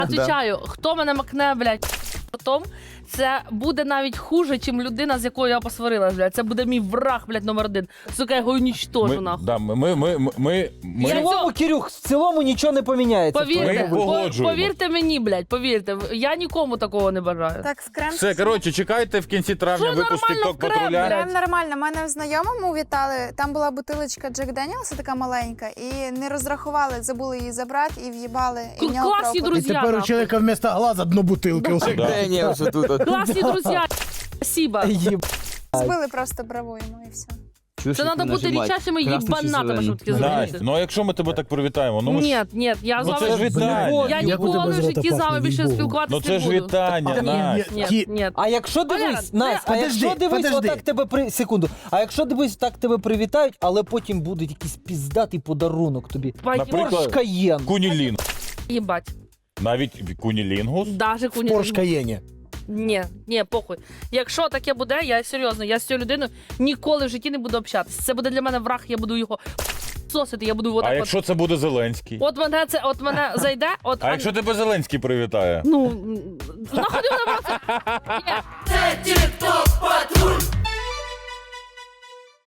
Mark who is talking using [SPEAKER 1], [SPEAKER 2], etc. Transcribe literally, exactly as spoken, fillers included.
[SPEAKER 1] Отвічаю, хто мене макне, блядь, потом, це буде навіть хуже, чим людина, з якою я посварилась, блядь. Це буде мій враг, блядь, номер один. Сука, я його унічтожу,
[SPEAKER 2] Ми,
[SPEAKER 1] нахуй.
[SPEAKER 2] да, ми, ми, ми, ми,
[SPEAKER 3] В
[SPEAKER 2] ми,
[SPEAKER 1] Я
[SPEAKER 3] цілому, Кирюх, в цілому нічого не поміняється. в
[SPEAKER 1] Повірте,
[SPEAKER 3] твоєму
[SPEAKER 2] Ми
[SPEAKER 3] випадку.
[SPEAKER 2] погоджуємось.
[SPEAKER 1] повірте мені, блядь, повірте. Я нікому такого не бажаю.
[SPEAKER 4] Так, в крем.
[SPEAKER 2] Все, коротше, чекайте в кінці травня
[SPEAKER 1] Що
[SPEAKER 2] випуск
[SPEAKER 1] нормально
[SPEAKER 2] TikTok
[SPEAKER 1] в крем,
[SPEAKER 2] патруля.
[SPEAKER 1] блядь?
[SPEAKER 4] Прям нормально. Мене в знайомому вітали. Там була бутилочка Джек Деніелса, така маленька, і не розрахували, забули її забрати і в'їбали. І в нього
[SPEAKER 1] Класні
[SPEAKER 4] пропуск.
[SPEAKER 1] друзі,
[SPEAKER 5] И теперь у
[SPEAKER 1] нахуй.
[SPEAKER 5] человека вместо глаза одну бутылку.
[SPEAKER 1] Класні друзі. Спасибо.
[SPEAKER 3] Єб...
[SPEAKER 4] Збили просто браву йому і все.
[SPEAKER 1] Це треба бути річащими їбанатами, щоб таке
[SPEAKER 2] Настя,
[SPEAKER 1] зробити.
[SPEAKER 2] ну а якщо ми тебе так привітаємо? Ну, ми ж...
[SPEAKER 1] Ні, ні, я з
[SPEAKER 2] ну це ж
[SPEAKER 1] вами...
[SPEAKER 2] вітання.
[SPEAKER 1] Я
[SPEAKER 5] Я буду
[SPEAKER 1] ніколи
[SPEAKER 5] без
[SPEAKER 1] в
[SPEAKER 5] рота
[SPEAKER 1] житті з вами
[SPEAKER 5] пахнуть,
[SPEAKER 1] більше
[SPEAKER 5] їй-богу.
[SPEAKER 1] спілкуватися
[SPEAKER 2] Ну це
[SPEAKER 1] не
[SPEAKER 2] ж
[SPEAKER 1] буду.
[SPEAKER 2] вітання,
[SPEAKER 1] Ні,
[SPEAKER 2] Настя.
[SPEAKER 1] ні,
[SPEAKER 5] Ті-
[SPEAKER 1] ні.
[SPEAKER 3] А якщо дивись,
[SPEAKER 1] Валера,
[SPEAKER 3] Настя, а
[SPEAKER 5] подожди,
[SPEAKER 3] якщо дивись,
[SPEAKER 5] подожди.
[SPEAKER 3] отак тебе при... Секунду. А якщо дивись, так тебе привітають, але потім буде якийсь піздатий подарунок тобі.
[SPEAKER 2] Наприклад,
[SPEAKER 3] Порш Каєн.
[SPEAKER 2] Кунілін.
[SPEAKER 1] Їбать.
[SPEAKER 2] Навіть кунілінгус.
[SPEAKER 1] Даже куні.
[SPEAKER 5] Порш Каєне.
[SPEAKER 1] Ні, ні, похуй. Якщо таке буде, я серйозно, я з цією людиною ніколи в житті не буду общатися. Це буде для мене враг, я буду його сосити, я буду його
[SPEAKER 2] А
[SPEAKER 1] так
[SPEAKER 2] якщо це буде Зеленський?
[SPEAKER 1] от... От мене це, от мене зайде, от...
[SPEAKER 2] А якщо тебе Зеленський привітає?
[SPEAKER 1] Ну, нахуй ти мене просто... Ні. Це TikTok!